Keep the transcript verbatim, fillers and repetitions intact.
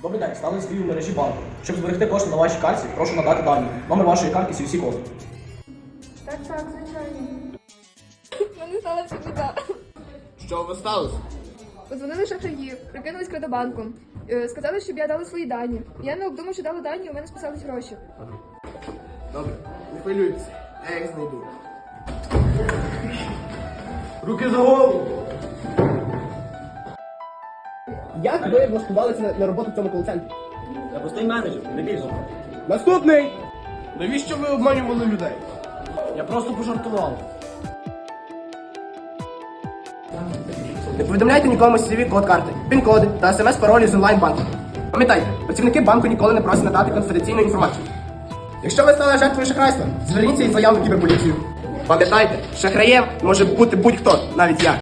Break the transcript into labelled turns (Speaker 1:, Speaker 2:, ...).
Speaker 1: Добрий день, стали свій у мережі банку. Щоб зберегти кошти на вашій картці, прошу надати дані. Номер вашої картки, сі ві сі-код.
Speaker 2: Так, так, звичайно. У мене сталася біда.
Speaker 3: Що ви сталося?
Speaker 2: Подзвонили шахраї, прикинулись кредобанком. Е, Сказали, щоб я дала свої дані. Я не обдумав, що дала дані, у мене списались гроші.
Speaker 3: Добре, не хвилюйтесь, я їх знайду. Руки за голову! Як ви влаштувалися на, на роботу в цьому кол-центрі?
Speaker 4: Я простий менеджер, не більше.
Speaker 3: Наступний! Навіщо ви обманювали людей?
Speaker 1: Я просто пожартував.
Speaker 3: Не повідомляйте нікому сі ві код карти, пін-коди та смс-паролі з онлайн-банку. Пам'ятайте, працівники банку ніколи не просять надати конфіденційну інформацію. Якщо ви стали жертвою шахрайства, зверніться із заявою в кіберполіцію. Пам'ятайте, шахраєм може бути будь-хто, навіть я.